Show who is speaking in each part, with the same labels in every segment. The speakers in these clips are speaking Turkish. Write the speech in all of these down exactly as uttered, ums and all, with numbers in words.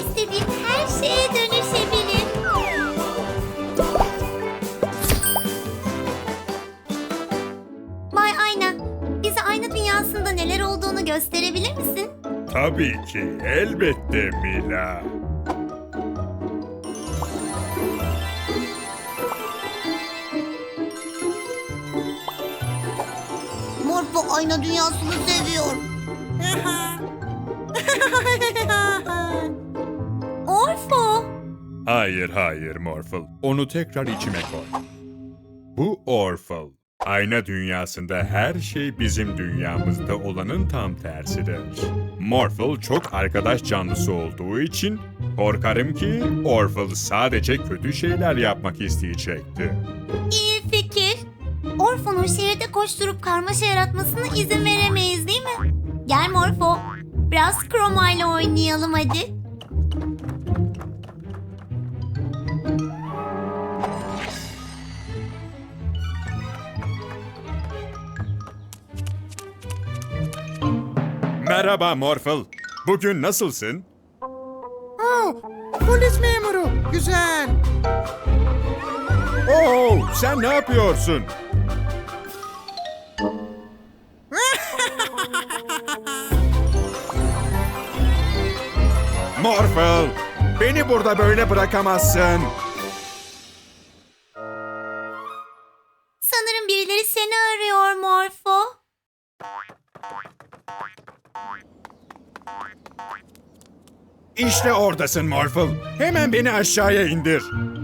Speaker 1: istediğim her şeye dönüşebilir. Bay Ayna, bize ayna dünyasında neler olduğunu gösterebilir misin?
Speaker 2: Tabii ki, elbette Mila.
Speaker 1: Morpho ayna dünyasını seviyor. Orpho.
Speaker 2: Hayır hayır Morphle, onu tekrar içime koy. Bu Orphle. Ayna dünyasında her şey bizim dünyamızda olanın tam tersidir. Morphle çok arkadaş canlısı olduğu için korkarım ki Orphle sadece kötü şeyler yapmak isteyecekti.
Speaker 1: İyi fikir. Orpho'nun şehirde koşturup karmaşa yaratmasına izin veremeyiz değil mi? Gel Morpho. Biraz Chroma ile oynayalım hadi.
Speaker 2: Merhaba Morphle. Bugün nasılsın?
Speaker 3: Oh, polis memuru. Güzel.
Speaker 2: Oo, sen ne yapıyorsun? Morphle, beni burada böyle bırakamazsın.
Speaker 1: Sanırım birileri seni arıyor Morpho.
Speaker 2: İşte oradasın Morphle. Hemen beni aşağıya indir.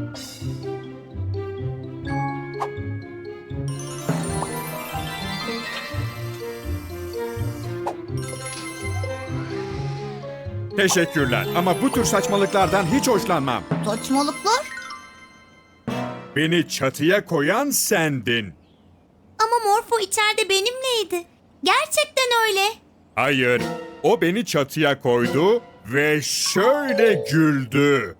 Speaker 2: Teşekkürler ama bu tür saçmalıklardan hiç hoşlanmam.
Speaker 1: Saçmalıklar?
Speaker 2: Beni çatıya koyan sendin.
Speaker 1: Ama Morpho içeride benimleydi. Gerçekten öyle.
Speaker 2: Hayır, o beni çatıya koydu ve şöyle güldü.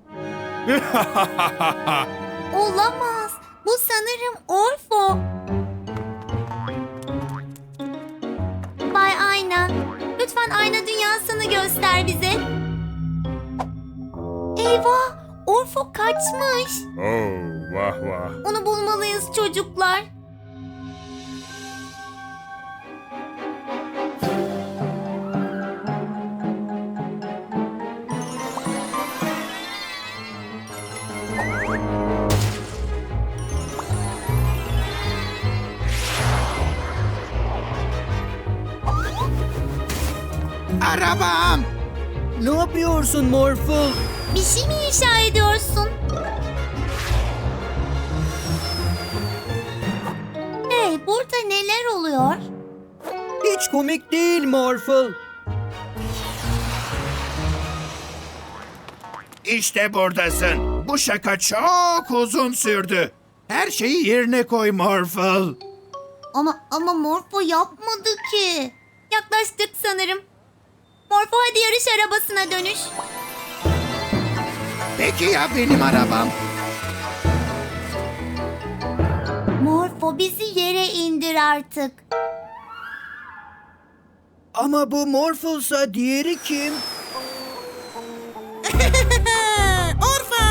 Speaker 1: Olamaz. Bu sanırım Orpho. Bay Ayna, lütfen ayna dünyasını göster bize. Eyvah, Orpho kaçmış.
Speaker 2: Oh, vah vah.
Speaker 1: Onu bulmalıyız çocuklar.
Speaker 3: Arabam.
Speaker 4: Ne yapıyorsun Morphle?
Speaker 1: Bir şey mi inşa ediyorsun? Hey, burada neler oluyor?
Speaker 4: Hiç komik değil Morphle.
Speaker 3: İşte buradasın. Bu şaka çok uzun sürdü. Her şeyi yerine koy Morphle.
Speaker 1: Ama ama Morpho yapmadı ki. Yaklaştık sanırım. Morpho hadi yarış arabasına dönüş.
Speaker 3: Peki ya benim arabam?
Speaker 1: Morpho bizi yere indir artık.
Speaker 4: Ama bu Morphle'sa diğeri kim?
Speaker 3: Orfa!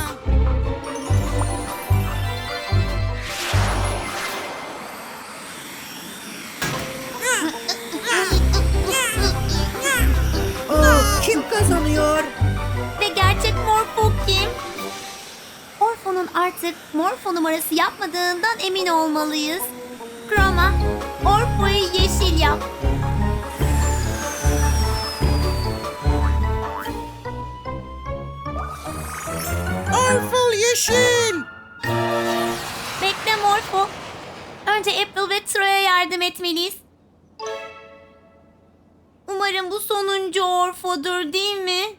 Speaker 4: Aa, kim kazanıyor?
Speaker 1: Ve gerçek Morpho kim? Orpho'nun artık Morpho numarası yapmadığından emin olmalıyız. Chroma, Orpho'yu yeşil yap.
Speaker 3: Orphle yeşil!
Speaker 1: Bekle Morpho. Önce April ve Troy'a yardım etmeliyiz. Umarım bu sonuncu Orpho'dur değil mi?